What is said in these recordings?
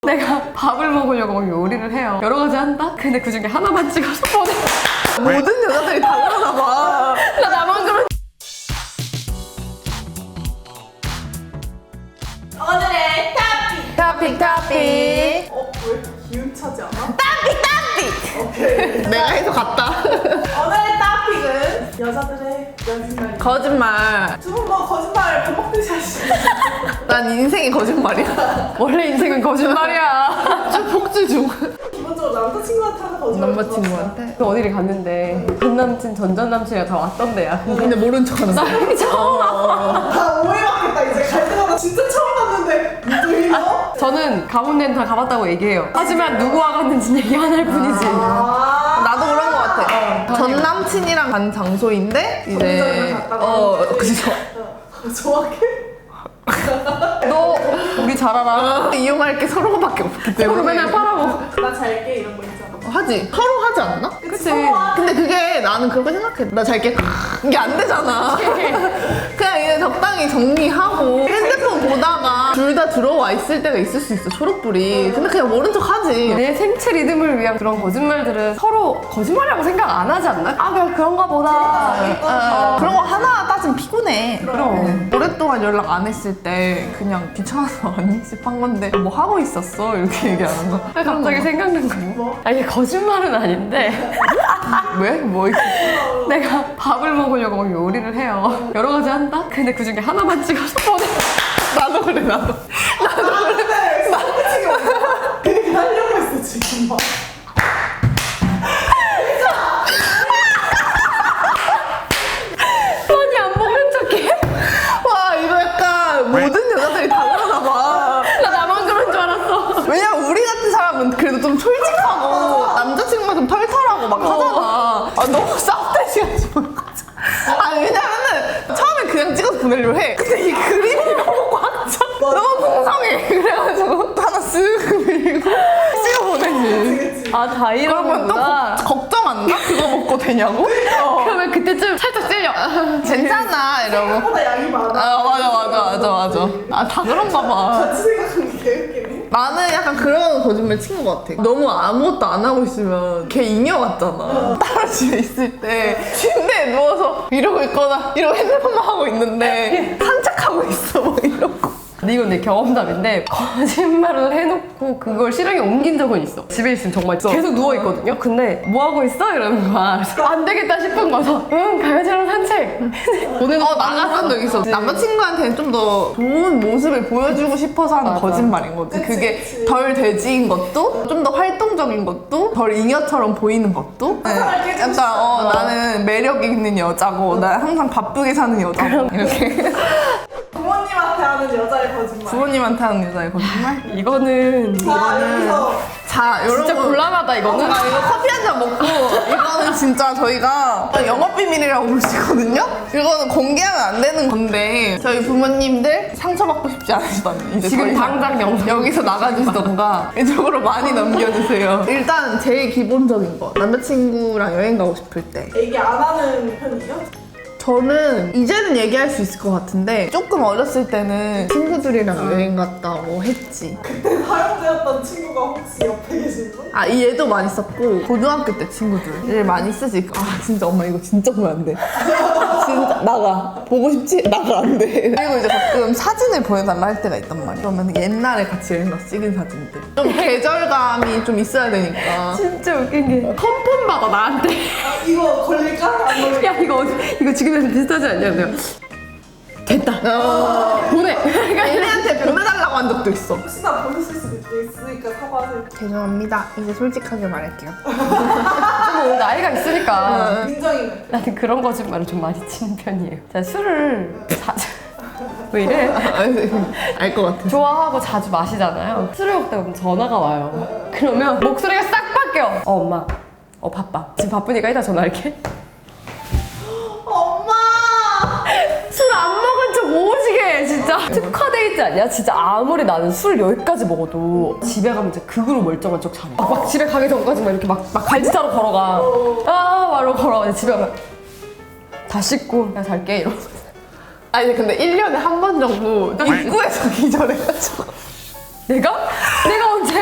내가 밥을 먹으려고 막 요리를 해요. 여러 가지 한다? 근데 그 중에 하나만 찍어서 보내. 모든 여자들이 다 그러나 봐. 나 나만 그런. 오늘의 타픽. 왜 이렇게 기운차지 않아? 오케이. 내가 해서 갔다. 오늘의 타픽은 여자들의 연습말. 거짓말. 두 분 뭐 거짓말 밥 먹듯이 하시죠. 난 인생이 거짓말이야. 원래 인생은 거짓말이야. 폭주 중. 기본적으로 남자친구한테 하는 거짓말. 남자친구한테. 그 어디를 갔는데 전 남친, 전 남친이랑 다 왔던데야. 근데 모른 척하는 나 거야. 이게 처음 와. 다 오해받겠다 이제 갈 때마다 진짜 처음 봤는데 누구이요? 저는 가본 데는 다 가봤다고 얘기해요. 하지만 누구와 갔는지 얘기 안 할 뿐이지. 나도 그런 거 같아. 전 남친이랑 간 장소인데 이제 전전을 갔다가 그죠. 정확해? 너 우리 잘 알아. 이용할 게 서로밖에 없기 때문에. 서로 맨날 팔아먹어. 나 잘게 이런 거 있잖아. 하지. 서로 하지 않나? 그치. 근데 그게 나는 그렇게 생각해. 나 잘게 이게 안 되잖아. 그냥 이제 적당히 정리하고 핸드폰 보다가 둘 다 들어와 있을 때가 있을 수 있어. 초록불이. 근데 그냥 모른 척 하지. 내 생체 리듬을 위한 그런 거짓말들은 서로 거짓말이라고 생각 안 하지 않나? 아 그냥 그런가 보다. 그런 거 하나 따지면 피곤해. 그럼. 오랫동안 연락 안 했을 때 그냥 귀찮아서 안 연습한 건데 뭐 하고 있었어? 이렇게 얘기하는 거. 갑자기 생각난 거야. 아 이게 거짓말은 아닌데 왜? 뭐 있어? 내가 밥을 먹으려고 막 요리를 해요. 여러 가지 한다? 근데 그 중에 하나만 찍어서 보내. 나도 그래 나도. 근데 남자친구 없어. 그 얘기 하려고 했어 지금 막. 아니 안 먹는 척해? 와 이거 약간 모든 여자들이 다 그러나 봐. 나 나만 그런 줄 알았어. 왜냐면 우리 같은 사람은 그래도 좀 솔직하고 남자친구가 좀 털털하고 막 하잖아. 아 너무 쌉대시가지고. 아니 왜냐면은 처음에 그냥 찍어서 보내려고 해. 근데 이 그림이 너무 꽉 차. 너무 풍성해. 그래가지고 하나 쓱 밀고 찍어 보내지. 아 다 그러면 또 이러는구나. 걱정 안 나? 그거 먹고 되냐고? 그러면 그때쯤 살짝 찔려. 괜찮아 이러고. 생각보다 양이 많아. 아 맞아. 아 다 그런가 봐. 같이 생각하는 게 개웃기네. 나는 약간 그런 거짓말 친 것 같아. 너무 아무것도 안 하고 있으면 걔 잉여 같잖아. 따로 집에 있을 때 침대에 누워서 이러고 있거나 이러고 핸드폰만 하고 있는데 산책하고 있어 막 이러고. 근데 이건 내 경험담인데 거짓말을 해놓고 그걸 실행에 옮긴 적은 있어. 집에 있으면 정말 계속 누워있거든요. 근데 뭐 하고 있어? 이러는 거야. 그래서 안 되겠다 싶은 거서 응 강아지랑 산책. 보내놓고 나갔던 적 있어. 남자친구한테는 좀 더 좋은 모습을 보여주고 싶어서 하는 맞아. 거짓말인 거지. 그치, 그게 그치. 덜 돼지인 것도 좀 더 활동적인 것도 덜 잉여처럼 보이는 것도 화사하게 해주고 싶다. 약간 나는 매력 있는 여자고 나 항상 바쁘게 사는 여자고 이렇게 부모님한테 하는 여자의 거짓말. 부모님한테 하는 여자의 거짓말? 이거는 자 여기서 자 여러분 진짜 곤란하다 이거는. 나 이거 커피 한 잔 먹고 이거는 진짜 저희가 영업 비밀이라고 볼 수 있거든요? 이거는 공개하면 안 되는 건데 저희 부모님들 상처받고 싶지 않으시다면 이제 지금 더 이상 당장 영상. 여기서 나가주시던가 이쪽으로 많이 넘겨주세요. 일단 제일 기본적인 거 남자친구랑 여행 가고 싶을 때 얘기 안 하는 편이에요? 저는 이제는 얘기할 수 있을 것 같은데 조금 어렸을 때는 친구들이랑 여행 갔다고 했지. 그때 사용되었던 친구가 혹시 옆에 계신 분? 아, 이 얘도 많이 썼고 고등학교 때 친구들 많이 쓰지. 아 진짜 엄마 이거 진짜 보면 안 돼. 진짜 나가. 보고 싶지? 나가 안 돼. 그리고 이제 가끔 사진을 보내달라 할 때가 있단 말이야. 그러면 옛날에 같이 여행 가서 찍은 사진들. 좀 계절감이 좀 있어야 되니까. 진짜 웃긴 게 컴폰 받아 나한테. 아, 이거 걸릴까? 안 걸릴까? 야 이거 지금이랑 비슷하지 않냐? 내가 됐다. 보내. 얘네한테 보내달라고 한 적도 있어. 혹시나 보셨을 수도 있으니까 사과하세요. 죄송합니다. 이제 솔직하게 말할게요. 좀 오늘 나이가 있으니까 민정이는? 나는 그런 거짓말을 좀 많이 치는 편이에요. 제가 술을 자주 왜 이래? 알 것 같아. 좋아하고 자주 마시잖아요. 술을 먹다가 그럼 전화가 와요. 그러면 목소리가 싹 바뀌어. 엄마, 바빠. 지금 바쁘니까 이따 전화할게. 엄마! 술 안 먹은 척 오지게 해, 진짜. 특화 데이트 아니야? 진짜 아무리 나는 술 여기까지 먹어도 집에 가면 진짜 극으로 멀쩡한 척 잘해. 막 집에 가기 전까지 막 이렇게 막 갈지타로 걸어가. 말로 걸어가. 집에 가면 다 씻고 나 잘게 이러면서. 아니 근데 1년에 한 번 정도 입구에서 기절해가지고 내가? 내가 언제?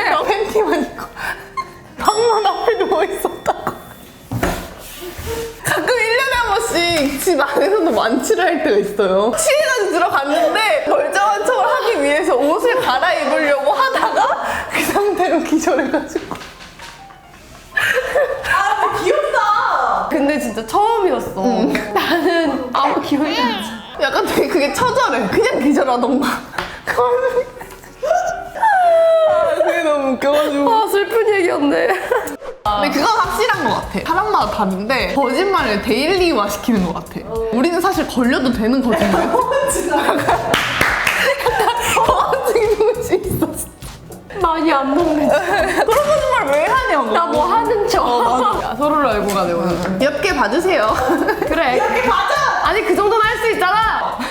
집 안에서도 만취를 할 때가 있어요. 취해가지고 들어갔는데 멀쩡한 척을 하기 위해서 옷을 갈아입으려고 하다가 그 상태로 기절해가지고. 아 귀엽다. 근데 진짜 처음이었어. 나는 아무 기억이 안 나. 약간 되게 그게 처절해. 그냥 기절하던가. 그게 너무 웃겨가지고. 아, 슬픈 얘기였네. 근데 그건 확실한 것 같아. 사람마다 다른데 거짓말을 데일리화 시키는 것 같아. 우리는 사실 걸려도 되는 거짓말. 허언증 도시 있었어. 많이 안 먹네. 그런 거짓말 왜 하냐고. 나 뭐 하는 척. 야, 서로를 알고 가네 오늘. 엽게 봐주세요. 그래. 이렇게 가자. 아니, 그 정도는 할 수 있잖아.